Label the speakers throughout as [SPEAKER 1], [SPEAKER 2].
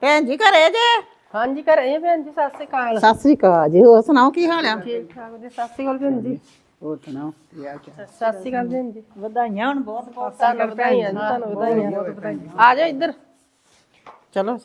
[SPEAKER 1] ਭੈਣ ਜੀ ਘਰੇ ਜੇ?
[SPEAKER 2] ਹਾਂਜੀ ਘਰੇ ਭੈਣ ਜੀ। ਸਤਿ ਸ਼੍ਰੀ ਅਕਾਲ।
[SPEAKER 1] ਸਤਿ ਸ੍ਰੀ ਅਕਾਲ ਜੀ। ਹੋਰ ਸੁਣਾਓ ਕੀ ਹਾਲ ਆ?
[SPEAKER 2] ਠੀਕ ਠਾਕ ਜੀ। ਸਤਿ ਸ਼੍ਰੀ ਅਕਾਲ ਭੈਣ ਜੀ।
[SPEAKER 1] ਹੋਰ ਸੁਣਾਓ
[SPEAKER 2] ਸਤਿ ਸ਼੍ਰੀ ਅਕਾਲ ਭੈਣ ਜੀ।
[SPEAKER 1] ਵਧਾਈਆਂ ਹੁਣ ਬਹੁਤ ਬਹੁਤ
[SPEAKER 2] ਤੁਹਾਨੂੰ ਵਧਾਈਆਂ ਜੀ, ਤੁਹਾਨੂੰ ਵਧਾਈਆਂ। ਆ ਜਾਓ ਇੱਧਰ।
[SPEAKER 1] ਚਲੋ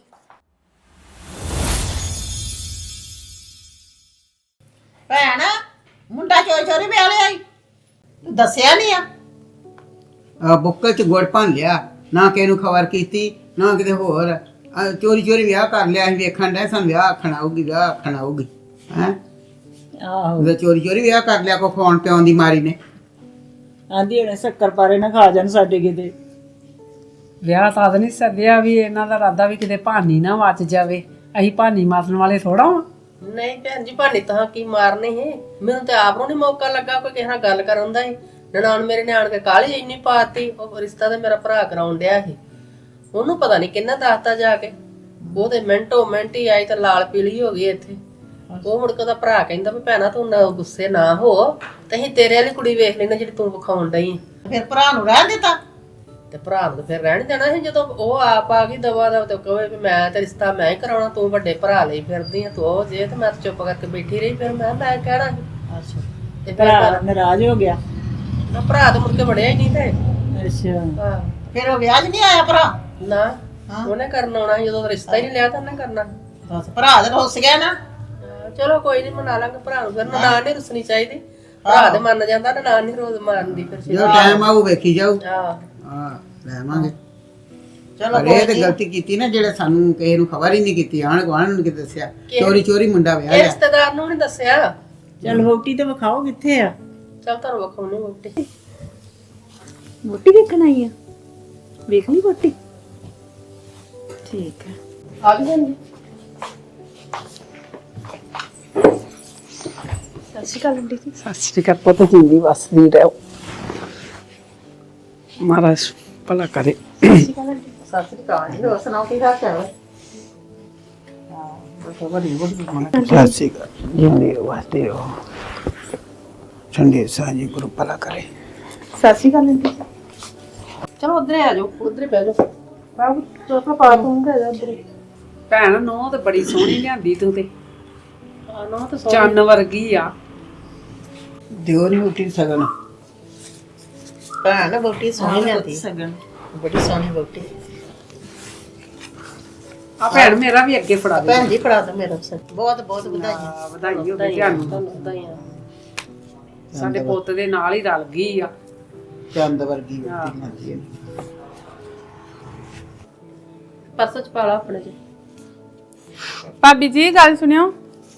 [SPEAKER 1] ਭੈਣ ਮੁੰਡਾ ਚੋਰੀ ਵਿਆਹ ਲਿਆਈ, ਤੂੰ ਦੱਸਿਆ ਨਹੀਂ ਆ?
[SPEAKER 3] ਬੁੱਕਲ ਚ ਗੁੜ ਭੰਨ ਲਿਆ, ਨਾ ਕਿਸੇ ਨੂੰ ਖਬਰ ਕੀਤੀ, ਨਾ ਕਿਤੇ ਹੋਰ। ਚੋਰੀ ਵਿਆਹ ਕਰ ਲਿਆ। ਅਸੀਂ ਵੇਖਣ ਡਏ ਸਾਨੂੰ ਵਿਆਹ ਆਖਣ ਆਊਗੀ ਹੈ।
[SPEAKER 1] ਆਹੋ
[SPEAKER 3] ਚੋਰੀ ਵਿਆਹ ਕਰ ਲਿਆ ਕੋ ਫੋਨ ਪਿਆਉਣ ਦੀ ਮਾਰੀ ਨੇ।
[SPEAKER 1] ਆਂਦੀ ਹੁਣੇ ਸ਼ੱਕਰ ਪਾਰੇ ਨਾ ਖਾ ਜਾਣ ਸਾਡੇ ਕਿਤੇ।
[SPEAKER 4] ਵਿਆਹ ਤਾਂ ਨਹੀਂ ਸੱਦਿਆ ਵੀ ਇਹਨਾਂ ਦਾ ਇਰਾਦਾ ਵੀ ਕਿਤੇ ਭਾਨੀ ਨਾ ਵੱਜ ਜਾਵੇ। ਅਸੀਂ ਭਾਨੀ ਮਾਰਨ ਵਾਲੇ ਥੋੜਾ ਵਾਂ।
[SPEAKER 2] ਨਹੀਂ ਭੈਣ ਜੀ, ਭਾਨੀ ਤਾਂ ਕੀ ਮਾਰਨੀ ਹੈ। ਮੈਨੂੰ ਤੇ ਆਪ ਨੂੰ ਨਹੀਂ ਮੌਕਾ ਲੱਗਾ ਕੋਈ ਕਿਸੇ ਨਾਲ ਗੱਲ ਕਰਨ ਦਾ ਹੀ। ਨਨਾਣ ਮੇਰੇ ਨੇ ਆਣ ਕੇ ਕਾਹਲੀ ਇੰਨੀ ਪਾਤੀ। ਉਹ ਰਿਸ਼ਤਾ ਤੇ ਮੇਰਾ ਭਰਾ ਕਰਾਉਣ ਡਿਆ ਸੀ। ਉਹਨੂੰ ਪਤਾ ਨਹੀਂ ਕਿੰਨਾ ਦੱਸਤਾ ਜਾ ਕੇ। ਉਹ ਤੇ ਮਿੰਟੋ ਮਿੰਟ ਹੀ ਆਈ ਤਾਂ ਲਾਲ ਪੀਲੀ ਹੋ ਗਈ ਇੱਥੇ। ਉਹ ਮੁੜ ਕੇ ਉਹਦਾ ਭਰਾ ਕਹਿੰਦਾ ਵੀ ਭੈਣਾ ਤੂੰ ਨਾ ਗੁੱਸੇ ਨਾ ਹੋ, ਤੇ ਅਸੀਂ ਤੇਰੇ ਵਾਲੀ ਕੁੜੀ ਵੇਖ ਲੈਣਾ ਜਿਹੜੀ ਤੂੰ ਵਿਖਾਉਣ ਡਈ।
[SPEAKER 1] ਫਿਰ ਭਰਾ ਨੂੰ ਰਹਿ ਦਿੱਤਾ
[SPEAKER 2] ਤੇ ਭਰਾ ਨੂੰ ਫਿਰ ਰਹਿਣ ਦੇਣਾ ਸੀ। ਜਦੋਂ ਉਹ ਆਪ ਆ ਗਈ ਦਵਾ ਦਾ ਤੇ ਕਹੇ ਵੀ ਮੈਂ ਤੇ ਰਿਸ਼ਤਾ ਮੈਂ ਹੀ ਕਰਾਉਣਾ, ਤੂੰ ਵੱਡੇ ਭਰਾ ਲਈ ਫਿਰਦੀ ਆ, ਤੂੰ ਉਹ ਜੇ। ਤੇ ਮੈਂ ਚੁੱਪ ਕਰਕੇ ਬੈਠੀ ਰਹੀ। ਫਿਰ ਮੈਂ ਕਹਿਣਾ ਸੀ।
[SPEAKER 1] ਅੱਛਾ
[SPEAKER 2] ਤੇ
[SPEAKER 1] ਭਰਾ ਨਾਰਾਜ਼ ਹੋ ਗਿਆ।
[SPEAKER 2] ਭਰਾ ਤਾਂ ਮੁੜ ਕੇ ਵੜਿਆ ਹੀ ਨਹੀਂ ਤੇ।
[SPEAKER 1] ਅੱਛਾ
[SPEAKER 2] ਹਾਂ
[SPEAKER 1] ਫਿਰ ਉਹ ਵਿਆਹ 'ਚ ਨਹੀਂ ਆਇਆ ਭਰਾ?
[SPEAKER 2] ਨਾ, ਉਹਨੇ ਕਰਨਾ ਆਉਣਾ ਸੀ। ਜਦੋਂ ਰਿਸ਼ਤਾ ਹੀ ਨਹੀਂ ਲਿਆ ਤਾਂ ਉਹਨੇ ਕਰਨਾ।
[SPEAKER 1] ਬਸ ਭਰਾ ਦਾ ਰੁੱਸ ਗਿਆ ਨਾ।
[SPEAKER 2] ਚਲੋ ਕੋਈ ਨਹੀਂ, ਮਨਾ ਲਾਂਗੇ ਭਰਾ ਨੂੰ। ਫਿਰ ਨਨਾਣ ਨਹੀਂ ਰੁੱਸਣੀ ਚਾਹੀਦੀ। ਭਰਾ ਤੇ ਮੰਨ ਜਾਂਦਾ, ਨਨਾਣ ਨਹੀਂ ਰੋਜ਼ ਮਾਰਦੀ। ਫਿਰ
[SPEAKER 3] ਜਦੋਂ ਟਾਈਮ ਆਊ ਵੇਖੀ ਜਾਊ।
[SPEAKER 2] ਹਾਂ
[SPEAKER 3] ਲੈਵਾਂਗੇ।
[SPEAKER 1] ਚਲੋ
[SPEAKER 3] ਇਹ ਤੇ ਗਲਤੀ ਕੀਤੀ ਨਾ ਜਿਹੜੇ ਸਾਨੂੰ ਕਿਸੇ ਨੂੰ ਖਬਰ ਹੀ ਨਹੀਂ ਕੀਤੀ। ਆਣ ਗੁਆਂਢ ਨੂੰ ਕਿਤੇ ਦੱਸਿਆ ਚੋਰੀ ਮੁੰਡਾ ਵਿਆਹ
[SPEAKER 2] ਇਹ
[SPEAKER 3] ਲਿਆ।
[SPEAKER 2] ਰਿਸ਼ਤੇਦਾਰ ਨੂੰ ਨਹੀਂ ਦੱਸਿਆ।
[SPEAKER 1] ਚੱਲ ਵੋਟੀ ਤੇ ਵਿਖਾਓ ਕਿੱਥੇ ਆ?
[SPEAKER 2] ਚੱਲ ਤੁਹਾਨੂੰ ਵਿਖਾਉਣੀ ਵੋਟੀ।
[SPEAKER 5] ਵੋਟੀ ਵੇਖਣ ਆਈ ਆ? ਵੇਖ ਲਈ ਵੋਟੀ? ਠੀਕ ਹੈ।
[SPEAKER 2] ਆ ਗਈ ਜੀ।
[SPEAKER 5] ਸਤਿ ਸ਼੍ਰੀ ਅਕਾਲ ਆਂਟੀ ਜੀ।
[SPEAKER 4] ਸਤਿ ਸ੍ਰੀ ਅਕਾਲ ਪੁੱਤ, ਜਿੰਦੀ ਵਸਦੀ ਰਹੋ। ਮਹਾਰਾਜ ਭਲਾ ਕਰੇ।
[SPEAKER 1] ਸਤਿ ਸ੍ਰੀ ਅਕਾਲ ਜੀ। ਹੋਰ ਸੁਣਾਓ ਕੀ ਹਾਲ ਚਾਲ ਹੈ?
[SPEAKER 3] ਸਤਿ ਸ਼੍ਰੀ ਅਕਾਲ। ਜਿੰਦੀ ਵਸਦੀ ਰਹੋ। ਠੰਡੇ ਸਾਂਝੀ ਗੁਰੂ ਭਲਾ ਕਰੇ।
[SPEAKER 5] ਸਤਿ ਸ਼੍ਰੀ ਅਕਾਲ ਆਂਟੀ ਜੀ।
[SPEAKER 2] ਚਲੋ ਉਧਰੇ ਆ ਜਾਓ, ਉਧਰੇ ਬਹਿ ਜਾਓ। ਬਾਬੂ ਚੋਪਾ ਪਾ ਦੂੰਗਾ ਜਾ ਉਧਰੇ।
[SPEAKER 4] ਭੈਣ ਨੂੰ ਤੇ ਬੜੀ ਸੋਹਣੀ ਲਿਆਂਦੀ ਤੂੰ ਤੇ।
[SPEAKER 2] ਨਾ ਤਾਂ
[SPEAKER 4] ਚੰਨ ਵਰਗੀ ਆ।
[SPEAKER 3] ਦਿਓ ਨਹੀਂ ਉੱਠੀ ਸਗਨ।
[SPEAKER 1] ਭੈਣ ਵੋਟੀ ਸੋਹਣੀ ਲਿਆਂਦੀ। ਸਗਨ ਬੜੀ ਸੋਹਣੀ ਵੋਟੀ।
[SPEAKER 4] ਆ ਭੈਣ ਮੇਰਾ ਵੀ ਅੱਗੇ ਫੜਾ ਦੇ।
[SPEAKER 1] ਭੈਣ ਜੀ ਫੜਾ ਦੋ ਮੇਰਾ ਬਹੁਤ ਬਹੁਤ ਵਧਾਈਆਂ।
[SPEAKER 4] ਵਧਾਈ ਹੋਵੇ ਤੁਹਾਨੂੰ।
[SPEAKER 2] ਵਧਾਈਆਂ।
[SPEAKER 4] ਸਾਡੇ ਪੁੱਤ ਦੇ ਨਾਲ ਹੀ ਰਲ ਗਈ ਆ।
[SPEAKER 3] ਚੰਦ ਵਰਗੀ ਵੋਟੀ ਲਿਆਂਦੀ ਹੈ।
[SPEAKER 2] ਪਰਸ ਚ ਪਾ ਲਾ ਆਪਣੇ ਚ।
[SPEAKER 5] ਭਾਬੀ ਜੀ ਗੱਲ ਸੁਣਿਓ।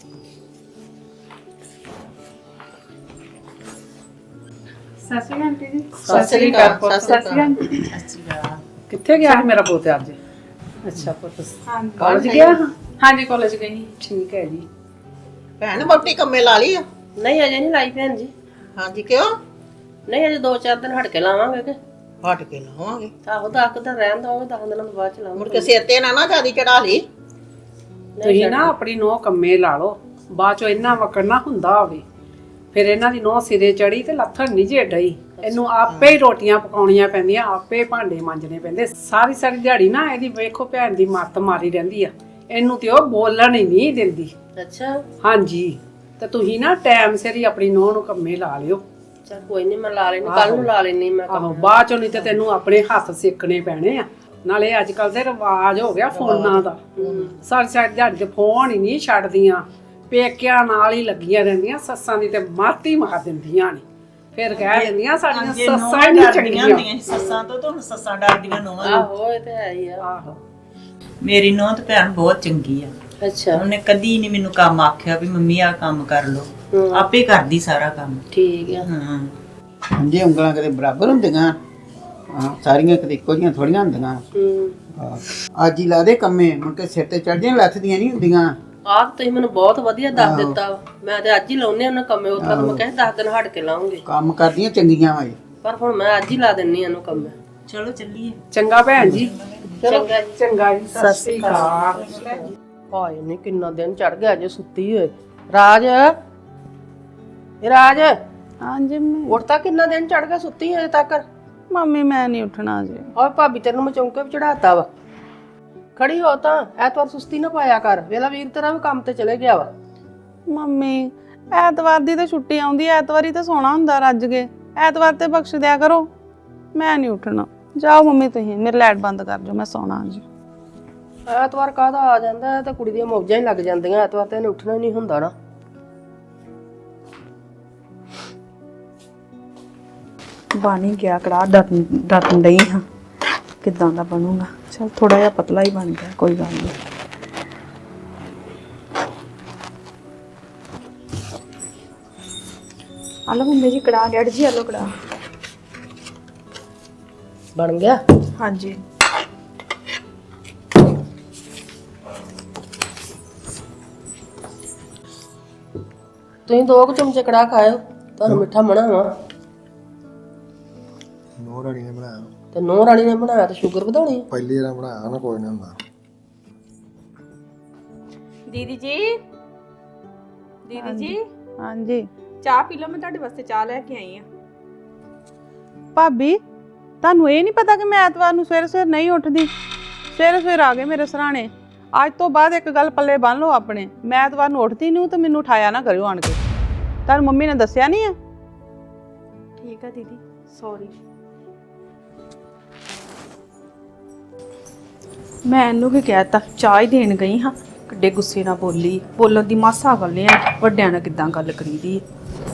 [SPEAKER 5] ਸਤਿ ਸ਼੍ਰੀ ਅਕਾਲ ਆਂਟੀ ਜੀ।
[SPEAKER 1] ਸਤਿ ਸ੍ਰੀ ਅਕਾਲ।
[SPEAKER 5] ਸਤਿ ਸ਼੍ਰੀ ਅਕਾਲ।
[SPEAKER 4] ਕਿੱਥੇ ਗਿਆ ਸੀ ਮੇਰਾ ਪੁੱਤ ਅੱਜ? ਅੱਛਾ ਪੁੱਤ
[SPEAKER 5] ਹਾਂਜੀ
[SPEAKER 4] ਕਾਲਜ ਗਿਆ?
[SPEAKER 5] ਹਾਂਜੀ ਕਾਲਜ ਗਈ।
[SPEAKER 4] ਠੀਕ ਹੈ ਜੀ।
[SPEAKER 1] ਭੈਣ ਵੋਟੀ ਕੰਮੇ ਲਾ ਲਈ ਆ?
[SPEAKER 2] ਨਹੀਂ ਅਜੇ ਨਹੀਂ ਲਾਈ ਭੈਣ ਜੀ।
[SPEAKER 1] ਹਾਂਜੀ ਕਿਉਂ?
[SPEAKER 2] ਨਹੀਂ ਅਜੇ 2-4 ਦਿਨ ਹਟ ਕੇ ਲਾਵਾਂਗੇ ਕਿ।
[SPEAKER 1] ਹਟ ਕੇ ਲਾਵਾਂਗੇ।
[SPEAKER 2] ਆਹੋ 10 ਦਿਨ ਰਹਿਣ ਦਵਾਂਗੇ, 10 ਦਿਨਾਂ ਤੋਂ ਬਾਅਦ ਚ
[SPEAKER 1] ਮੁੜ
[SPEAKER 2] ਲਾਵਾਂਗੇ।
[SPEAKER 1] ਕੇ ਸਿਰ ਤੇ ਨਾ ਜਿਆਦੀ ਚੜਾ ਲਈ।
[SPEAKER 4] ਤੁਸੀਂ ਨਾ ਆਪਣੀ ਨੋਹ ਕੰਮੇ ਲਾ ਲਓ, ਬਾਅਦ ਚੋਂ ਇੰਨਾ ਵਕਰਨਾ ਹੁੰਦਾ ਹੋਵੇ। ਫਿਰ ਇਹਨਾਂ ਦੀ ਨੋਹ ਸਿਰੇ ਚੜੀ ਤੇ ਲੱਥਣ ਨਹੀਂ ਜੇ ਡਈ। ਇਹਨੂੰ ਆਪੇ ਹੀ ਰੋਟੀਆਂ ਪਕਾਉਣੀਆਂ ਪੈਂਦੀਆਂ, ਆਪੇ ਭਾਂਡੇ ਮਾਂਜਣੇ ਪੈਂਦੇ। ਸਾਰੀ ਸਾਰੀ ਦਿਹਾੜੀ ਨਾ ਇਹਦੀ ਵੇਖੋ ਭੈਣ ਦੀ ਮੱਤ ਮਾਰੀ ਰਹਿੰਦੀ ਆ। ਇਹਨੂੰ ਤੇ ਉਹ ਬੋਲਣ ਹੀ ਨਹੀਂ ਦਿੰਦੀ।
[SPEAKER 2] ਅੱਛਾ
[SPEAKER 4] ਹਾਂਜੀ, ਤੇ ਤੁਸੀਂ ਨਾ ਟਾਈਮ ਸਿਰ ਹੀ ਆਪਣੀ ਨੋਹ ਨੂੰ ਕੰਮੇ ਲਾ ਲਿਓ।
[SPEAKER 2] ਚਲ ਕੋਈ ਨਹੀਂ, ਮੈਂ ਲਾ ਲੈਣੀ, ਕੱਲ ਨੂੰ ਲਾ ਲੈਣੀ ਮੈਂ।
[SPEAKER 4] ਆਹੋ ਬਾਅਦ ਚੋਂ ਨਹੀਂ ਤੇ ਤੈਨੂੰ ਆਪਣੇ ਹੱਥ ਸਿੱਖਣੇ ਪੈਣੇ ਆ। ਨਾਲੇ ਅੱਜ ਕੱਲ ਦੇ ਰਿਵਾਜ ਹੋ ਗਿਆ ਫੋਨਾਂ ਦਾ। ਸਾਰੀ ਸਾਰੀ ਦਿਹਾੜੀ ਤੇ ਫੋਨ ਹੀ ਨਹੀਂ ਛੱਡਦੀਆਂ। ਪੇਕਿਆਂ ਨਾਲ ਹੀ ਲੱਗੀਆਂ ਰਹਿੰਦੀਆਂ। ਸੱਸਾਂ ਦੀ ਤੇ ਮੱਤ ਹੀ ਮਾਰ ਦਿੰਦੀਆਂ ਨੇ। ਫਿਰ ਕਹਿ ਦਿੰਦੀਆਂ ਸਾਡੀਆਂ ਸੱਸਾਂ ਹੀ ਨਹੀਂ ਚੰਗੀਆਂ।
[SPEAKER 1] ਸੱਸਾਂ ਤੋਂ ਤਾਂ ਹੁਣ ਸੱਸਾਂ ਡਰਦੀਆਂ ਨੋਹਾਂ ਨੂੰ।
[SPEAKER 2] ਆਹੋ ਇਹ ਤੇ ਹੈ ਹੀ ਆ।
[SPEAKER 4] ਆਹੋ
[SPEAKER 6] ਮੇਰੀ ਨੂੰਹ ਤੇ ਭੈਣ ਬਹੁਤ ਚੰਗੀ ਆ।
[SPEAKER 2] ਅੱਛਾ
[SPEAKER 6] ਉਹਨੇ ਕਦੀ ਨਹੀਂ ਮੈਨੂੰ ਕੰਮ ਆਖਿਆ ਵੀ ਮੰਮੀ ਆ ਕੰਮ ਕਰ ਲੋ। ਆਪੇ ਕਰਦੀ ਸਾਰਾ ਕੰਮ।
[SPEAKER 2] ਠੀਕ ਆ।
[SPEAKER 6] ਹਾਂ
[SPEAKER 3] ਜੇ ਉਂਗਲਾਂ ਕਦੇ ਬਰਾਬਰ ਹੁੰਦੀਆਂ। ਸਾਰੀਆਂ ਕਦੇ ਇੱਕੋ ਜਿਹੀਆਂ ਥੋੜੀਆਂ ਹੁੰਦੀਆਂ। ਅੱਜ ਹੀ ਲਾ ਦੇ ਕੰਮੇ, ਮੁੜ ਕੇ ਸਿਰ ਤੇ ਚੜ੍ਹਦੀਆਂ ਲੱਥਦੀਆਂ ਨਹੀਂ ਹੁੰਦੀਆਂ।
[SPEAKER 2] ਆਹ ਤੁਸੀਂ ਮੈਨੂੰ ਬਹੁਤ ਵਧੀਆ ਦੱਸ ਦਿੱਤਾ। ਮੈਂ ਤੇ ਅੱਜ ਹੀ ਲਾਉਣੇ ਉਹਨਾਂ ਕੰਮੇ। ਉੱਥਾ ਤਾਂ ਮੈਂ ਕਹਿੰਦਾ 10 ਦਿਨ ਹਟ ਕੇ ਲਾਉਂਗੇ,
[SPEAKER 3] ਕੰਮ ਕਰਦੀਆਂ ਚੰਗੀਆਂ ਵਾ।
[SPEAKER 2] ਪਰ ਹੁਣ ਮੈਂ ਅੱਜ ਹੀ ਲਾ ਦਿੰਨੀ ਇਹਨੂੰ ਕੰਮੇ।
[SPEAKER 6] ਚਲੋ ਚੱਲੀਏ।
[SPEAKER 4] ਚੰਗਾ ਭੈਣ ਜੀ।
[SPEAKER 2] ਚੰਗਾ ਜੀ।
[SPEAKER 4] ਚੰਗਾ ਜੀ। ਸਤਿ ਸ੍ਰੀ ਅਕਾਲ।
[SPEAKER 2] ਹਾਏ ਨੀ ਕਿੰਨਾ ਦਿਨ ਚੜ ਗਿਆ ਜੇ ਸੁੱਤੀ ਹੋਏ। ਰਾਜ ਇਹ ਰਾਜ
[SPEAKER 5] ਹਾਂਜੀ
[SPEAKER 2] ਉੱਠਤਾ, ਕਿੰਨਾ ਦਿਨ ਚੜ ਗਿਆ ਸੁੱਤੀ ਹੋਏ ਤੱਕ।
[SPEAKER 5] ਮੰਮੀ ਮੈਂ ਨਹੀਂ ਉੱਠਣਾ ਜੀ।
[SPEAKER 2] ਔਰ ਭਾਬੀ ਤੈਨੂੰ ਮੈਂ ਚੌਂਕੇ ਵੀ ਚੜਾਤਾ ਵਾ। ਖੜੀ ਹੋ ਤਾਂ ਐਤਵਾਰ ਸੁਸਤੀ ਨਾ ਪਾਇਆ ਕਰ। ਵੇਲਾ ਵੀਰ ਤੇਰਾ ਵੀ ਕੰਮ ਤੇ ਚਲੇ ਗਿਆ ਵਾ।
[SPEAKER 7] ਮੰਮੀ ਐਤਵਾਰ ਦੀ ਤਾਂ ਛੁੱਟੀ ਆਉਂਦੀ ਐ, ਐਤਵਾਰੀ ਤਾਂ ਸੋਣਾ ਹੁੰਦਾ ਰੱਜ ਕੇ। ਐਤਵਾਰ ਤੇ ਬਖਸ਼ ਦਿਆ ਕਰੋ, ਮੈਂ ਨਹੀਂ ਉੱਠਣਾ। ਜਾਓ ਮੰਮੀ ਤੁਸੀਂ, ਮੇਰੇ ਲਾਈਟ ਬੰਦ ਕਰ ਦਿਓ, ਮੈਂ ਸੌਣਾ ਅੱਜ।
[SPEAKER 2] ਐਤਵਾਰ ਕਾਹਦਾ ਆ ਜਾਂਦਾ ਹੈ, ਤਾਂ ਕੁੜੀ ਦੀਆਂ ਮੌਜਾਂ ਹੀ ਲੱਗ ਜਾਂਦੀਆਂ। ਐਤਵਾਰ ਤੇ ਇਹਨੇ ਉੱਠਣਾ ਹੀ ਨਹੀਂ ਹੁੰਦਾ ਨਾ।
[SPEAKER 5] ਬਣ ਹੀ ਗਿਆ ਕੜਾਹ, ਡਟਣ ਡਈ ਹਾਂ ਕਿੱਦਾਂ ਦਾ ਬਣੂਗਾ। ਚਲ ਥੋੜਾ ਜਿਹਾ ਪਤਲਾ ਹੀ ਬਣ ਗਿਆ, ਕੋਈ ਗੱਲ ਨਹੀਂ। ਆਲੋ ਮੰਮੀ ਜੀ ਕੜਾਹ, ਡੈਡ ਜੀ ਆਲੋ ਕੜਾਹ।
[SPEAKER 2] ਬਣ ਗਿਆ।
[SPEAKER 5] ਹਾਂਜੀ
[SPEAKER 2] ਤੁਸੀਂ 2 ਚਮਚੇ ਕੜਾਹ ਖਾਇਓ, ਤੁਹਾਨੂੰ ਮਿੱਠਾ ਮਣਾ ਵਾ।
[SPEAKER 8] ਨੂੰਹ ਰਾਣੀ ਨੇ ਬਣਾਇਆ,
[SPEAKER 2] ਤੇ ਨੂੰਹ ਰਾਣੀ ਨੇ ਬਣਾਇਆ ਤੇ ਸ਼ੂਗਰ ਵਧਾਉਣੀ ਆ।
[SPEAKER 8] ਪਹਿਲੀ ਵਾਰ ਬਣਾਇਆ ਨਾ, ਕੋਈ ਨਹੀਂ ਹੁੰਦਾ।
[SPEAKER 5] ਦੀਦੀ ਜੀ, ਦੀਦੀ ਜੀ
[SPEAKER 7] ਹਾਂਜੀ
[SPEAKER 5] ਚਾਹ ਪੀ ਲਓ, ਮੈਂ ਤੁਹਾਡੇ ਵਾਸਤੇ ਚਾਹ ਲੈ ਕੇ ਆਈ ਆ।
[SPEAKER 7] ਭਾਬੀ, ਤੁਹਾਨੂੰ ਇਹ ਨਹੀਂ ਪਤਾ ਕਿ ਮੈਂ ਐਤਵਾਰ ਨੂੰ ਸਵੇਰੇ ਸਵੇਰ ਨਹੀਂ ਉੱਠਦੀ? ਸਵੇਰੇ ਸਵੇਰ ਆ ਗਏ ਮੇਰੇ ਸਰਾਣੇ। ਅੱਜ ਤੋਂ ਬਾਅਦ ਇੱਕ ਗੱਲ ਪੱਲੇ ਬੰਨ ਲਓ ਆਪਣੇ, ਮੈਂ ਐਤਵਾਰ ਨੂੰ ਉੱਠਦੀ ਨਹੀਂ ਤੇ ਮੈਨੂੰ ਉਠਾਇਆ ਨਾ ਕਰਿਓ ਆਣ ਕੇ। ਤੁਹਾਨੂੰ ਮੰਮੀ ਨੇ ਦੱਸਿਆ ਨਹੀਂ ਆ?
[SPEAKER 5] ਠੀਕ ਆ ਦੀਦੀ, ਸੌਰੀ। ਮੈਂ ਇਹਨੂੰ ਕੀ ਕਹਿਤਾ, ਚਾਹ ਹੀ ਦੇਣ ਗਈ ਹਾਂ, ਕਿੱਡੇ ਗੁੱਸੇ ਨਾਲ ਬੋਲੀ। ਬੋਲਣ ਦੀ ਮਾਸਾ ਗੱਲ ਨਹੀਂ ਹੈ, ਵੱਡਿਆਂ ਨਾਲ ਕਿੱਦਾਂ ਗੱਲ ਕਰੀਦੀ ਹੈ।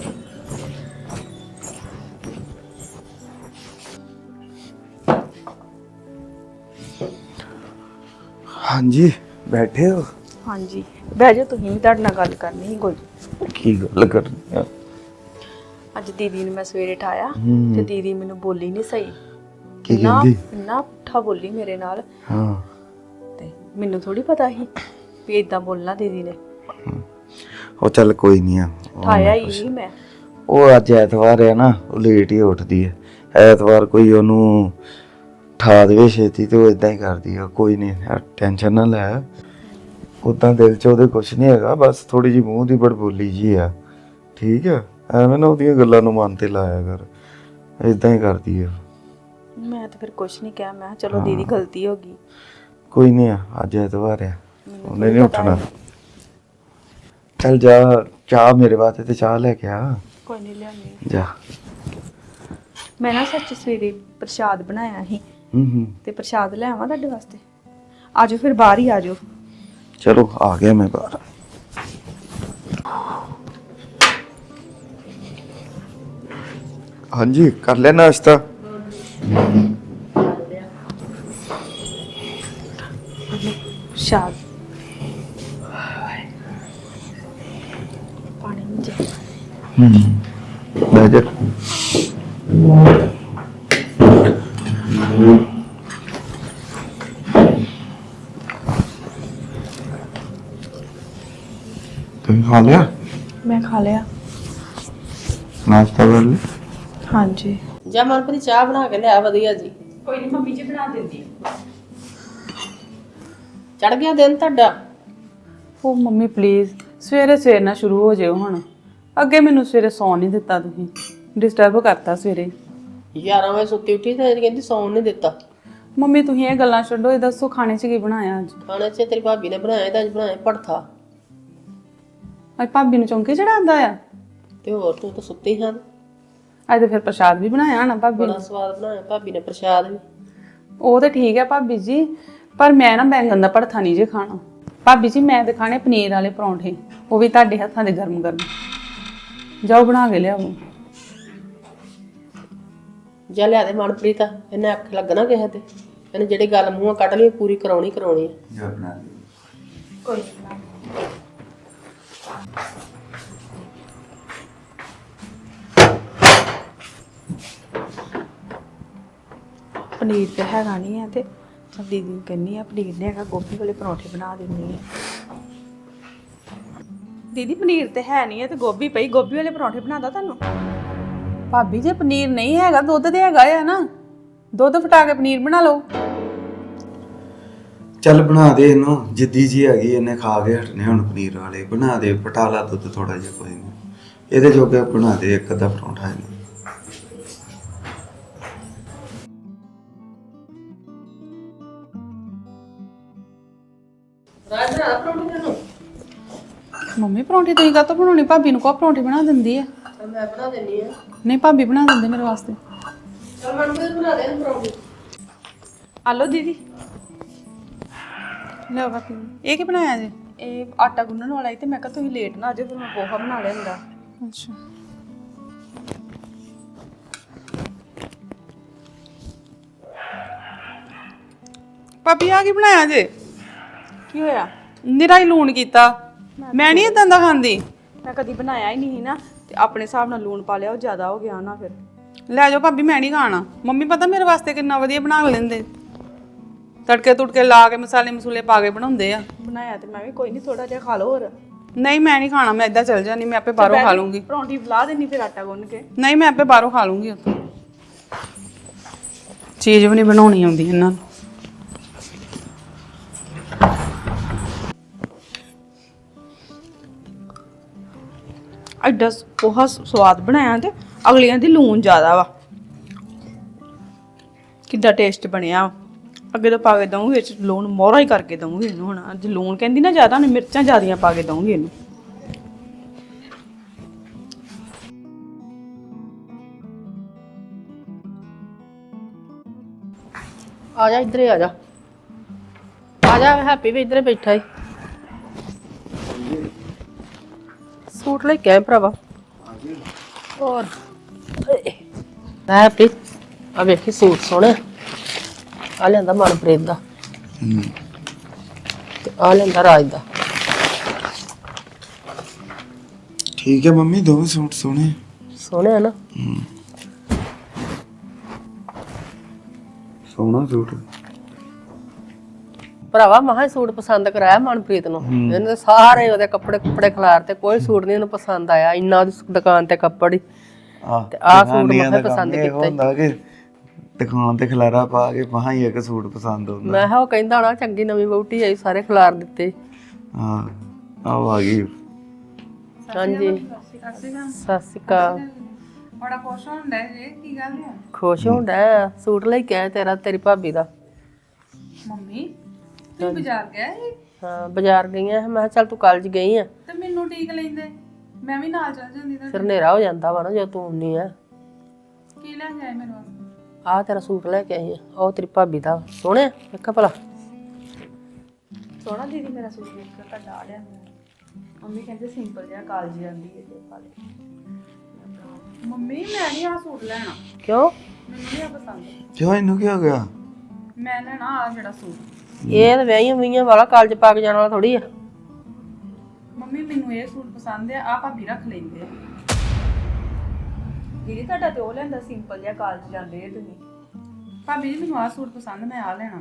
[SPEAKER 9] ਹਾਂਜੀ ਬੈਠੇ ਹੋ?
[SPEAKER 5] ਹਾਂਜੀ ਬਹਿ ਜਾਓ, ਤੁਸੀਂ ਵੀ ਤੁਹਾਡੇ ਨਾਲ ਗੱਲ ਕਰਨੀ ਸੀ ਕੋਈ।
[SPEAKER 9] ਕੀ ਗੱਲ ਕਰਨੀ ਆ?
[SPEAKER 5] ਅੱਜ ਦੀਦੀ ਨੂੰ ਮੈਂ ਸਵੇਰੇ ਠਾਇਆ ਤੇ ਦੀਦੀ ਮੈਨੂੰ ਬੋਲੀ ਨਹੀਂ ਸਹੀ।
[SPEAKER 9] ਕੀ
[SPEAKER 5] ਇੰਨਾ
[SPEAKER 9] ਕਹਿੰਦੀ?
[SPEAKER 5] ਇੰਨਾ ਪੁੱਠਾ ਬੋਲੀ ਮੇਰੇ ਨਾਲ,
[SPEAKER 9] ਹਾਂ
[SPEAKER 5] ਤੇ ਮੈਨੂੰ ਥੋੜੀ ਪਤਾ ਸੀ ਵੀ ਇਦਾਂ ਬੋਲਣਾ ਦੀਦੀ ਨੇ।
[SPEAKER 9] ਉਹ ਚੱਲ ਕੋਈ ਨਹੀਂ ਆ।
[SPEAKER 5] ਠਾਇਆ ਹੀ ਨਹੀਂ ਮੈਂ।
[SPEAKER 9] ਉਹ ਅੱਜ ਐਤਵਾਰ ਹੈ ਨਾ, ਉਹ ਲੇਟ ਹੀ ਉੱਠਦੀ ਹੈ। ਐਤਵਾਰ ਕੋਈ ਉਹਨੂੰ ਠਾ ਦੇਵੇ ਛੇਤੀ ਤੇ ਉਹ ਇਦਾਂ ਹੀ ਕਰਦੀ ਆ। ਕੋਈ ਨਹੀਂ, ਟੈਨਸ਼ਨ ਨਾ ਲੈ। ਉਦਾਂ ਦਿਲ 'ਚ ਉਹਦੇ ਕੁਝ ਨਹੀਂ ਹੈਗਾ, ਬਸ ਥੋੜੀ ਜਿਹੀ ਮੂੰਹ ਦੀ ਬੜਬੋਲੀ ਜੀ ਆ। ਠੀਕ ਆ, ਐਵੇਂ ਨਾ ਉਹਦੀਆਂ ਗੱਲਾਂ ਨੂੰ ਮਨ ਤੇ ਲਾਇਆ ਕਰ, ਇਦਾਂ ਹੀ ਕਰਦੀ ਆ।
[SPEAKER 5] ਮੈਂ ਤਾਂ ਫਿਰ ਕੁਛ ਨਹੀਂ ਕਿਹਾ, ਮੈਂ ਕਿਹਾ ਚਲੋ ਦੀਦੀ ਗਲਤੀ ਹੋ ਗਈ।
[SPEAKER 9] ਕੋਈ ਨਹੀਂ ਆ, ਅੱਜ ਐਤਵਾਰ ਆ, ਉਹਨੇ ਨਹੀਂ ਉੱਠਣਾ। ਚੱਲ ਜਾ, ਚਾਹ ਮੇਰੇ ਵਾਸਤੇ ਤੇ ਚਾਹ ਲੈ ਕੇ ਆ।
[SPEAKER 5] ਕੋਈ ਨਹੀਂ ਲਿਆਉਣੀ।
[SPEAKER 9] ਜਾ।
[SPEAKER 5] ਮੈਂ ਨਾ ਸੱਚ ਸਵੇਰੇ ਪ੍ਰਸ਼ਾਦ ਬਣਾਇਆ ਸੀ, ਤੇ ਪ੍ਰਸ਼ਾਦ ਲੈ ਆਵਾਂ ਤੁਹਾਡੇ ਵਾਸਤੇ? ਆਜੋ ਫਿਰ, ਬਾਹਰ ਹੀ ਆਜੋ।
[SPEAKER 9] ਚਲੋ ਆ ਗਿਆ ਮੈਂ ਬਾਹਰ। ਹਾਂਜੀ ਕਰ ਲਿਆ ਨਾਸ਼ਤਾ?
[SPEAKER 5] ਪ੍ਰਸ਼ਾਦ ਪਾਣੀ ਨਹੀਂ ਜੇ।
[SPEAKER 9] ਬਹਿ ਜਾ। तुम खा लिया?
[SPEAKER 5] ਮੈਂ ਖਾ ਲਿਆ।
[SPEAKER 9] नाश्ता कर लिया?
[SPEAKER 5] ਹਾਂਜੀ
[SPEAKER 2] ਜਾਂ ਮਨਪ੍ਰੀਤ ਚਾਹ ਬਣਾ ਕੇ ਲਿਆ ਵਧੀਆ ਜੀ।
[SPEAKER 5] ਕੋਈ ਨਹੀਂ, ਮੰਮੀ ਜੀ ਬਣਾ ਦਿੰਦੀ।
[SPEAKER 2] ਚੜ ਗਿਆ ਦਿਨ ਤੁਹਾਡਾ।
[SPEAKER 7] ਉਹ ਮੰਮੀ ਪਲੀਜ਼ ਸਵੇਰੇ ਸਵੇਰ ਨਾ ਸ਼ੁਰੂ ਹੋ ਜਿਓ ਹੁਣ। ਅੱਗੇ ਮੈਨੂੰ ਸਵੇਰੇ ਸੌਣ ਨਹੀਂ ਦਿੱਤਾ, ਤੁਸੀਂ ਡਿਸਟਰਬ ਕਰਤਾ ਸਵੇਰੇ।
[SPEAKER 2] 11 ਵਜੇ ਸੁੱਤੀ ਉੱਠੀ ਤੇ ਕਹਿੰਦੀ ਸੌਣ ਨਹੀਂ ਦਿੱਤਾ।
[SPEAKER 7] ਮੰਮੀ ਤੁਸੀਂ ਇਹ ਗੱਲਾਂ ਛੱਡੋ, ਇਹ ਦੱਸੋ ਖਾਣੇ 'ਚ ਕੀ ਬਣਾਇਆ ਅੱਜ?
[SPEAKER 2] ਖਾਣੇ 'ਚ ਤੇਰੀ ਭਾਬੀ ਨੇ ਬਣਾਇਆ ਤਾਂ ਅੱਜ ਬਣਾਇਆ ਭੜਥਾ।
[SPEAKER 7] ਅੱਜ ਭਾਬੀ ਨੂੰ ਚੌਂਕੇ ਚੜਾਉਂਦਾ ਆ?
[SPEAKER 2] ਤੇ ਹੋਰ ਤੂੰ ਤਾਂ ਸੁੱਤੀ ਹਾਂ।
[SPEAKER 7] ਅੱਜ ਤਾਂ ਫਿਰ ਪ੍ਰਸ਼ਾਦ ਵੀ ਬਣਾਇਆ ਨਾ ਭਾਬੀ
[SPEAKER 2] ਬੜਾ
[SPEAKER 7] ਨੇ।
[SPEAKER 2] ਸਵਾਦ ਬਣਾਇਆ ਭਾਬੀ ਨੇ ਪ੍ਰਸ਼ਾਦ ਵੀ।
[SPEAKER 7] ਉਹ ਤਾਂ ਠੀਕ ਹੈ ਭਾਬੀ ਜੀ, ਪਰ ਮੈਂ ਨਾ ਬੈਂਗਣ ਦਾ ਭੜਥਾ ਨਹੀਂ ਜੇ ਖਾਣਾ। ਭਾਬੀ ਜੀ ਮੈਂ ਤਾਂ ਖਾਣੇ ਪਨੀਰ ਵਾਲੇ ਪਰੌਂਠੇ, ਉਹ ਵੀ ਤੁਹਾਡੇ ਹੱਥਾਂ ਦੇ ਗਰਮ ਗਰਮ। ਜਾਓ ਬਣਾ ਕੇ ਲਿਆਓ।
[SPEAKER 2] ਜਾ ਲਿਆ ਦੇ ਮਨਪ੍ਰੀਤ, ਇਹਨੇ ਅੱਖ ਲੱਗਣਾ ਕਿਸੇ ਤੇ। ਇਹਨੇ ਜਿਹੜੀ ਗੱਲ ਮੂੰਹੋਂ ਕੱਢ ਲਈ ਪੂਰੀ ਕਰਾਉਣੀ ਕਰਾਉਣੀ ਹੈ।
[SPEAKER 9] जा बना ली।
[SPEAKER 5] ਕੋਈ ਪਨੀਰ ਤੇ ਹੈਗਾ ਨਹੀਂ ਹੈ, ਤੇ ਚੱਲ ਦੀਦੀ ਨੂੰ ਕਹਿੰਦੀ ਆ ਪਨੀਰ ਨਹੀਂ ਹੈਗਾ, ਗੋਭੀ ਵਾਲੇ ਪਰੌਂਠੇ ਬਣਾ ਦਿੰਦੀ ਆ। ਦੀਦੀ ਪਨੀਰ ਤੇ ਹੈ ਨਹੀਂ ਹੈ ਤੇ ਗੋਭੀ ਪਈ, ਗੋਭੀ ਵਾਲੇ ਪਰੌਂਠੇ ਬਣਾਦਾ ਤੁਹਾਨੂੰ।
[SPEAKER 7] ਭਾਬੀ ਜੇ ਪਨੀਰ ਨਹੀਂ ਹੈਗਾ, ਦੁੱਧ ਤੇ ਹੈਗਾ ਆ ਨਾ, ਦੁੱਧ ਫਟਾ ਕੇ ਪਨੀਰ ਬਣਾ ਲਓ।
[SPEAKER 9] ਚੱਲ ਬਣਾ ਦੇ ਇਹਨੂੰ, ਜਿੱਦੀ ਜੀ ਹੈਗੀ ਇਹਨੇ ਖਾ ਕੇ ਹਟਨੇ ਹੁਣ ਪਨੀਰ ਵਾਲੇ। ਬਣਾ ਦੇ, ਪਟਾਲਾ ਦੁੱਧ ਥੋੜਾ ਜਿਹਾ, ਕੋਈ ਨਹੀਂ ਇਹਦੇ ਜੋਗੇ ਬਣਾ ਦੇ ਇੱਕ ਅੱਧਾ ਪਰੌਂਠਾ ਇਹਨੂੰ।
[SPEAKER 2] ਰਾਜ ਬਣਾ ਪਰੌਂਠੀ ਤੈਨੂੰ
[SPEAKER 7] ਮੰਮੀ ਪਰੌਂਠੀ ਤੁਸੀਂ ਕਾਹਤੋਂ ਬਣਾਉਣੀ? ਭਾਬੀ ਨੂੰ ਕੋ ਪਰੌਂਠੀ ਬਣਾ ਦਿੰਦੀ ਆ।
[SPEAKER 2] ਚੱਲ ਮੈਂ ਬਣਾ ਦਿੰਨੀ ਆ।
[SPEAKER 7] ਨਹੀਂ ਭਾਬੀ ਬਣਾ ਦਿੰਦੇ ਮੇਰੇ ਵਾਸਤੇ।
[SPEAKER 2] ਚੱਲ ਮਨਪ੍ਰੀਤ ਬਣਾ ਦੇ ਇਹਨੂੰ ਪਰੌਂਠੀ।
[SPEAKER 5] ਆਲੋ ਦੀਦੀ,
[SPEAKER 7] ਲਓ ਭਾਬੀ ਇਹ ਕੀ ਬਣਾਇਆ ਜੀ?
[SPEAKER 5] ਇਹ ਆਟਾ ਗੁੰਨਣ ਵਾਲਾ ਸੀ ਤੇ ਮੈਂ ਕਿਹਾ ਤੁਸੀਂ ਲੇਟ ਨਾ ਆ ਜਾਓ, ਫਿਰ ਮੈਂ ਪੋਹਾ ਬਣਾ ਲਿਆ ਹੁੰਦਾ।
[SPEAKER 7] ਅੱਛਾ ਭਾਬੀ ਆ ਕੀ ਬਣਾਇਆ ਜੇ?
[SPEAKER 5] ਕੀ ਹੋਇਆ?
[SPEAKER 7] ਨਿਰਾ ਹੀ ਲੂਣ ਕੀਤਾ। ਮੈਂ ਨਹੀਂ ਇਦਾਂ ਦਾ ਖਾਂਦੀ।
[SPEAKER 5] ਮੈਂ ਕਦੀ ਬਣਾਇਆ ਹੀ ਨਹੀਂ ਨਾ, ਤੇ ਆਪਣੇ ਹਿਸਾਬ ਨਾਲ ਲੂਣ ਪਾ ਲਿਆ, ਉਹ ਜ਼ਿਆਦਾ ਹੋ ਗਿਆ ਨਾ ਫਿਰ।
[SPEAKER 7] ਲੈ ਜਾਓ ਭਾਬੀ, ਮੈਂ ਨਹੀਂ ਖਾਣਾ। ਮੰਮੀ ਪਤਾ ਮੇਰੇ ਵਾਸਤੇ ਕਿੰਨਾ ਵਧੀਆ ਬਣਾ ਲੈਂਦੇ, ਤੜਕੇ ਤੁੜਕੇ ਲਾ ਕੇ ਮਸਾਲੇ ਮਸੂਲੇ ਪਾ ਕੇ ਬਣਾਉਂਦੇ ਆ।
[SPEAKER 5] ਬਣਾਇਆ ਤੇ ਮੈਂ ਵੀ, ਕੋਈ ਨਹੀਂ ਥੋੜਾ ਜਿਹਾ ਖਾ ਲਓ ਹੋਰ।
[SPEAKER 7] ਨਹੀਂ ਮੈਂ ਨਹੀਂ ਖਾਣਾ, ਮੈਂ ਇਦਾਂ ਚੱਲ ਜਾਣੀ, ਮੈਂ ਆਪੇ ਬਾਹਰੋਂ ਖਾ ਲੂੰਗੀ।
[SPEAKER 5] ਪਰੌਂਠੀ ਲਾ ਦੇਣੀ ਫਿਰ ਆਟਾ ਗੁੰਨ ਕੇ।
[SPEAKER 7] ਨਹੀਂ ਮੈਂ ਆਪੇ ਬਾਹਰੋਂ ਖਾ ਲੂੰਗੀ। ਉੱਥੋਂ ਚੀਜ਼ ਵੀ ਨਹੀਂ ਬਣਾਉਣੀ ਆਉਂਦੀ ਇਹਨਾਂ ਨੂੰ।
[SPEAKER 5] ਐਡਾ ਪੋਹਾ ਸਵਾਦ ਬਣਾਇਆ ਤੇ ਅਗਲੀਆਂ ਦੀ ਲੂਣ ਜ਼ਿਆਦਾ ਵਾ। ਕਿੱਦਾਂ ਟੇਸਟ ਬਣਿਆ। ਅੱਗੇ ਤੋਂ ਪਾ ਕੇ ਦਊਂਗੀ ਵਿੱਚ ਲੂਣ, ਮੋਹਰਾ ਹੀ ਕਰਕੇ ਦਊਂਗੀ ਇਹਨੂੰ। ਹੁਣ ਅੱਜ ਲੂਣ ਕਹਿੰਦੀ ਨਾ ਜ਼ਿਆਦਾ, ਉਹਨੇ ਮਿਰਚਾਂ ਜ਼ਿਆਦੀਆਂ ਪਾ ਕੇ ਦਊਂਗੀ ਇਹਨੂੰ।
[SPEAKER 2] ਆ ਜਾ ਇੱਧਰ ਆ ਜਾ। ਆ ਜਾ, ਹੈਪੀ ਵੀ ਇੱਧਰ ਬੈਠਾ ਈ। ਸੂਟ ਲੈ ਕੇ ਆਏ ਭਰਾਵਾ। ਹੋਰ ਹੈਪੀ ਆ ਵੇਖੀ ਸੂਟ ਸੋਹਣਾ। ਆ ਲੈਂਦਾ ਮਨਪ੍ਰੀਤ ਦਾ ਤੇ ਆ ਲੈਂਦਾ ਰਾਜ ਦਾ।
[SPEAKER 9] ਠੀਕ ਹੈ ਮੰਮੀ, ਦੋਵੇਂ ਸੂਟ ਸੋਹਣੇ
[SPEAKER 2] ਸੋਹਣੇ ਆ ਨਾ।
[SPEAKER 9] ਸੋਹਣਾ ਸੂਟ।
[SPEAKER 2] ਭਰਾਵਾ ਮਹਾ ਸੂਟ ਪਸੰਦ ਕਰਾਇਆ ਮਨਪ੍ਰੀਤ ਨੂੰ। ਇਹਨੇ ਸਾਰੇ ਉਹਦੇ ਕੱਪੜੇ ਖਿਲਾਰ ਤੇ ਕੋਈ ਸੂਟ ਨਹੀਂ ਇਹਨੂੰ ਪਸੰਦ ਆਇਆ। ਇੰਨਾ ਉਹਦੀ ਦੁਕਾਨ ਤੇ ਕੱਪੜੇ ਤੇ ਆਹ ਸੂਟ ਮੈਂ ਪਸੰਦ ਕੀਤਾ।
[SPEAKER 9] ਹੁੰਦਾ ਕਿ ਦੁਕਾਨ ਤੇ ਖਲਾਰਾ ਪਾ ਕੇ ਮਹਾ ਹੀ ਇੱਕ ਸੂਟ ਪਸੰਦ ਆਉਂਦਾ।
[SPEAKER 2] ਮੈਂ ਕਿਹਾ ਉਹ ਕਹਿੰਦਾ ਹੋਣਾ ਚੰਗੀ ਨਵੀਂ ਵਹੁਟੀ ਆਈ, ਸਾਰੇ ਖਿਲਾਰ ਦਿੱਤੇ।
[SPEAKER 9] ਹਾਂ ਆਹ ਆ ਗਈ।
[SPEAKER 2] ਹਾਂਜੀ ਸਤਿ ਸ਼੍ਰੀ ਅਕਾਲ।
[SPEAKER 7] ਬੜਾ ਖੁਸ਼ ਹੁੰਦਾ ਜੇ, ਕੀ ਗੱਲ ਹੈ?
[SPEAKER 2] ਖੁਸ਼ ਹੁੰਦਾ ਸੂਟ ਲੈ ਕੇ ਆਇਆ ਤੇਰੀ ਭਾਬੀ ਦਾ।
[SPEAKER 7] ਮੰਮੀ ਤੂੰ ਬਾਜ਼ਾਰ ਗਿਆ ਸੀ?
[SPEAKER 2] ਹਾਂ ਬਾਜ਼ਾਰ ਗਈਆਂ। ਮੈਂ ਕਿਹਾ ਚੱਲ ਤੂੰ ਕਾਲਜ ਗਈ ਆ
[SPEAKER 7] ਤੇ ਮੈਨੂੰ ਠੀਕ ਲੈਂਦੇ, ਮੈਂ ਵੀ ਨਾਲ ਚੱਲ ਜਾਂਦੀ। ਤਾਂ
[SPEAKER 2] ਫਿਰ ਹਨੇਰਾ ਹੋ ਜਾਂਦਾ ਵਾ ਨਾ ਜਦੋਂ ਤੂੰ ਆਉਂਦੀ ਆ।
[SPEAKER 7] ਕੀ ਲੈ ਕੇ ਆਏ ਮੇਰੇ ਵਾਸਤੇ?
[SPEAKER 2] ਆਹ ਤੇਰਾ ਸੂਟ ਲੈ ਕੇ ਆਈ ਆ। ਉਹ ਤੇਰੀ ਭਾਬੀ ਦਾ ਸੋਹਣਾ ਵੇਖਾ ਭਲਾ।
[SPEAKER 5] ਸੋਹਣਾ ਦੀਦੀ ਮੇਰਾ ਸੂਟ ਵੇਖ ਕੇ ਤੁਹਾਡਾ ਆ ਲਿਆ। ਮੰਮੀ ਕਹਿੰਦੇ ਸਿੰਪਲ ਜਿਹਾ ਕਾਲਜ ਜਾਂਦੀ ਹੈ ਤੇ ਪਾ ਲੈ।
[SPEAKER 7] ਮੰਮੀ ਮੈਂ ਨਹੀਂ ਆ ਸੂਟ ਲੈਣਾ,
[SPEAKER 2] ਕਿਉਂ?
[SPEAKER 7] ਮੈਨੂੰ ਨਹੀਂ ਆ ਪਸੰਦ।
[SPEAKER 9] ਕਿਉਂ ਇਹਨੂੰ ਕੀ ਹੋ ਗਿਆ?
[SPEAKER 7] ਮੈਂ ਲੈਣਾ ਆ ਜਿਹੜਾ ਸੂਟ।
[SPEAKER 2] ਇਹ ਤਾਂ ਵਿਆਹੀਆਂ ਵਾਲਾ ਕਾਲਜ ਪਾ ਕੇ ਜਾਣ ਵਾਲਾ ਥੋੜੀ ਆ।
[SPEAKER 7] ਮੰਮੀ ਮੈਨੂੰ ਇਹ ਸੂਟ ਪਸੰਦ ਆ ਭਾਬੀ ਰੱਖ ਲੈਂਦੇ ਆ।
[SPEAKER 5] ਦੀਦੀ ਤੁਹਾਡਾ ਤੇ ਉਹ ਲੈਂਦਾ ਸਿੰਪਲ ਜਿਹਾ ਕਾਲਜ ਜਾਂਦੇ ਆ ਤੁਸੀਂ।
[SPEAKER 7] ਭਾਬੀ ਜੀ ਮੈਨੂੰ ਆ ਸੂਟ ਪਸੰਦ, ਮੈਂ ਆ ਲੈਣਾ।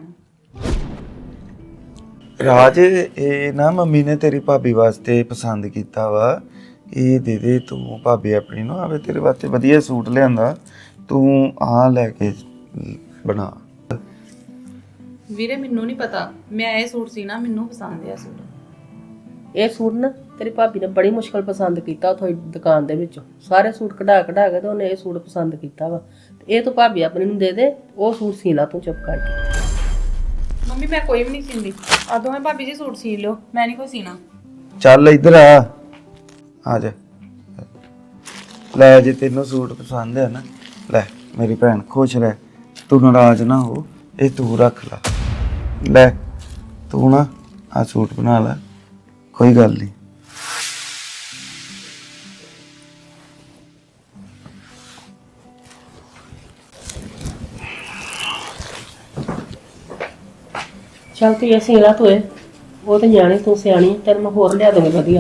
[SPEAKER 9] ਰਾਜ ਇਹ ਨਾ ਮੰਮੀ ਨੇ ਤੇਰੀ ਭਾਬੀ ਵਾਸਤੇ ਪਸੰਦ ਕੀਤਾ ਵਾ। ਇਹ ਦੇ ਦੇ ਤੂੰ ਭਾਬੀ ਆਪਣੀ ਨੂੰ, ਆਵੇ ਤੇਰੇ ਵਾਸਤੇ ਵਧੀਆ ਸੂਟ ਲਿਆਂਦਾ, ਤੂੰ ਆ ਲੈ ਕੇ ਬਣਾ।
[SPEAKER 7] ਵੀਰੇ ਮੈਨੂੰ ਨਹੀਂ ਪਤਾ, ਮੈਂ ਇਹ ਸੂਟ ਸੀਨਾ, ਮੈਨੂੰ ਪਸੰਦ ਆ ਸੂਟ।
[SPEAKER 2] ਇਹ ਸੂਟ ਨਾ ਤੇਰੀ ਭਾਬੀ ਨੇ ਬੜੀ ਮੁਸ਼ਕਲ ਪਸੰਦ ਕੀਤਾ ਉੱਥੋਂ ਦੁਕਾਨ ਦੇ ਵਿੱਚੋਂ। ਸਾਰੇ ਸੂਟ ਕਢਾ ਕੇ ਤੇ ਉਹਨੇ ਇਹ ਸੂਟ ਪਸੰਦ ਕੀਤਾ ਵਾ। ਇਹ ਤੂੰ ਭਾਬੀ ਆਪਣੀ ਨੂੰ ਦੇ ਦੇ, ਉਹ ਸੂਟ ਸੀ ਲਾ ਤੂੰ ਚੁੱਪ ਕਰਕੇ।
[SPEAKER 7] ਮੰਮੀ ਮੈਂ ਕੋਈ ਵੀ ਨਹੀਂ ਸੀਂਦੀ, ਆ ਦੋਵੇਂ ਭਾਬੀ ਜੀ ਸੂਟ ਸੀ ਲਿਓ, ਮੈਂ ਨਹੀਂ ਕੋਈ ਸੀਣਾ।
[SPEAKER 9] ਚੱਲ ਇੱਧਰ ਆ ਜਾ। ਲੈ ਜੇ ਤੈਨੂੰ ਸੂਟ ਪਸੰਦ ਹੈ ਨਾ, ਲੈ ਮੇਰੀ ਭੈਣ ਖੁਸ਼ ਰਹਿ, ਤੂੰ ਨਾਰਾਜ਼ ਨਾ ਹੋ, ਇਹ ਤੂੰ ਰੱਖ ਲੈ। ਲੈ ਤੂੰ ਨਾ ਆ ਸੂਟ ਬਣਾ ਲੈ, ਕੋਈ ਗੱਲ ਨਹੀਂ।
[SPEAKER 2] ਚੱਲ ਤੂੰ ਇਹ ਸੀ ਲਾ ਤੂੰ ਇਹ, ਉਹ ਤੇ ਨਿਆਣੀ ਤੂੰ ਸਿਆਣੀ, ਤੈਨੂੰ ਮੈਂ ਹੋਰ ਲਿਆ ਦੂੰਗੀ ਵਧੀਆ।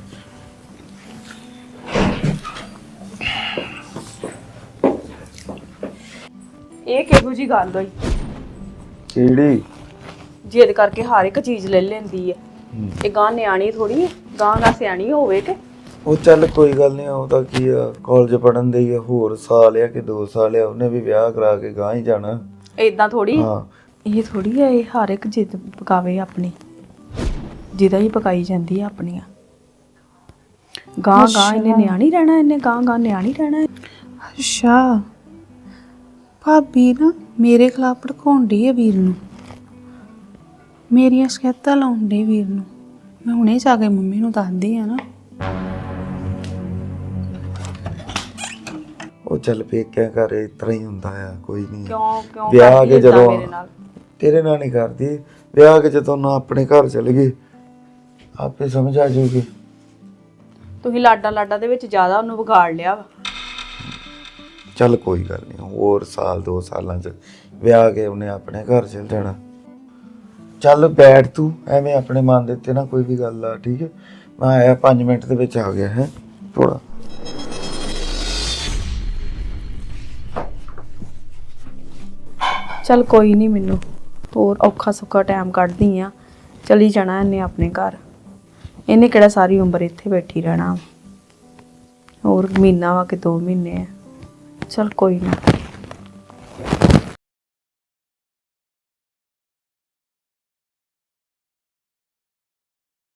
[SPEAKER 5] ਇਹ ਕਿਹੋ ਜੀ ਗੱਲ ਹੋਈ?
[SPEAKER 9] ਕਿਹੜੀ?
[SPEAKER 5] ਜਿੱਦ ਕਰਕੇ ਹਰ ਇੱਕ ਚੀਜ਼ ਲੈ ਲੈਂਦੀ ਹੈ। ਇਹ ਗਾਂ ਨਿਆਣੀ ਥੋੜੀ ਹੈ, ਗਾਂ ਸਿਆਣੀ ਹੋਵੇ ਕਿ।
[SPEAKER 9] ਉਹ ਚੱਲ ਕੋਈ ਗੱਲ ਨਹੀਂ, ਉਹਦਾ ਕੀ ਆ, ਕਾਲਜ ਪੜਨ ਦੇ ਆ, ਹੋਰ ਸਾਲ ਆ ਕਿ 2 ਸਾਲ ਆ, ਉਹਨੇ ਵੀ ਵਿਆਹ ਕਰਾ ਕੇ ਗਾਂ ਹੀ ਜਾਣਾ।
[SPEAKER 5] ਏਦਾਂ ਥੋੜੀ,
[SPEAKER 9] ਹਾਂ
[SPEAKER 5] ਇਹ ਥੋੜੀ ਹੈ ਇਹ ਹਰ ਇੱਕ ਜਿੱਦ ਪਕਾਵੇ ਆਪਣੀ, ਜਿਹਦਾ ਹੀ ਪਕਾਈ ਜਾਂਦੀ ਹੈ ਆਪਣੀਆਂ। ਗਾਂ ਇਹਨੇ ਨਿਆਣੀ ਰਹਿਣਾ, ਇਹਨੇ ਗਾਂ ਨਿਆਣੀ ਰਹਿਣਾ।
[SPEAKER 7] ਅੱਛਾ ਭਾਬੀ ਨਾ ਮੇਰੇ ਖਿਲਾਫ ਭੜਕਾਉਂਦੀ ਹੈ ਵੀਰ ਨੂੰ। ਮੇਰੀਆਂ ਸ਼ਿਕਾਇਤਾਂ ਲਾਉਣ ਡੇ ਵੀਰ ਨੂੰ। ਮੈਂ ਹੁਣੇ ਜਾ ਕੇ ਮੰਮੀ ਨੂੰ ਦੱਸਦੀ ਆ ਨਾ।
[SPEAKER 9] ਉਹ ਚੱਲ ਪੇਕਿਆਂ ਘਰ ਇਸ ਤਰ੍ਹਾਂ ਹੀ ਹੁੰਦਾ ਆ, ਕੋਈ ਨਹੀਂ।
[SPEAKER 5] ਕਿਉਂ
[SPEAKER 9] ਵਿਆਹ
[SPEAKER 5] ਕਰਦੀ
[SPEAKER 9] ਕੇ
[SPEAKER 5] ਏਦਾਂ
[SPEAKER 9] ਜਦੋਂ
[SPEAKER 5] ਮੇਰੇ ਨਾਲ?
[SPEAKER 9] ਤੇਰੇ ਨਾਲ ਨਹੀਂ ਕਰਦੀ, ਵਿਆਹ ਕੇ ਜਦੋਂ ਨਾ ਆਪਣੇ ਘਰ ਚਲੇ ਗਏ ਆਪੇ ਸਮਝ ਆ ਜਾਊਗੀ।
[SPEAKER 5] ਤੁਸੀਂ ਲਾਡਾ ਦੇ ਵਿੱਚ ਜ਼ਿਆਦਾ ਉਹਨੂੰ ਵਿਗਾੜ ਲਿਆ ਵਾ।
[SPEAKER 9] ਚੱਲ ਕੋਈ ਗੱਲ ਨਹੀਂ, ਹੋਰ ਸਾਲ 2 ਸਾਲਾਂ ਚ ਵਿਆਹ ਕੇ ਉਹਨੇ ਆਪਣੇ ਘਰ ਚਲ ਜਾਣਾ। ਚੱਲ ਬੈਠ ਤੂੰ, ਐਵੇਂ ਆਪਣੇ ਮਨ ਦੇ ਉੱਤੇ ਨਾ ਕੋਈ ਵੀ ਗੱਲ ਆ, ਠੀਕ ਹੈ? ਮੈਂ ਆਇਆ 5 ਮਿੰਟ ਦੇ ਵਿੱਚ ਆ ਗਿਆ ਹੈ ਥੋੜਾ।
[SPEAKER 5] ਚੱਲ ਕੋਈ ਨਹੀਂ, ਮੈਨੂੰ ਹੋਰ ਔਖਾ ਸੁੱਖਾ ਟਾਈਮ ਕੱਢਦੀ ਆ। ਚਲੀ ਜਾਣਾ ਇਹਨੇ ਆਪਣੇ ਘਰ। ਇਹਨੇ ਕਿਹੜਾ ਸਾਰੀ ਉਮਰ ਇੱਥੇ ਬੈਠੀ ਰਹਿਣਾ। ਹੋਰ ਮਹੀਨਾ ਵਾ ਕਿ 2 ਮਹੀਨੇ ਆ। ਚੱਲ ਕੋਈ ਨਹੀਂ।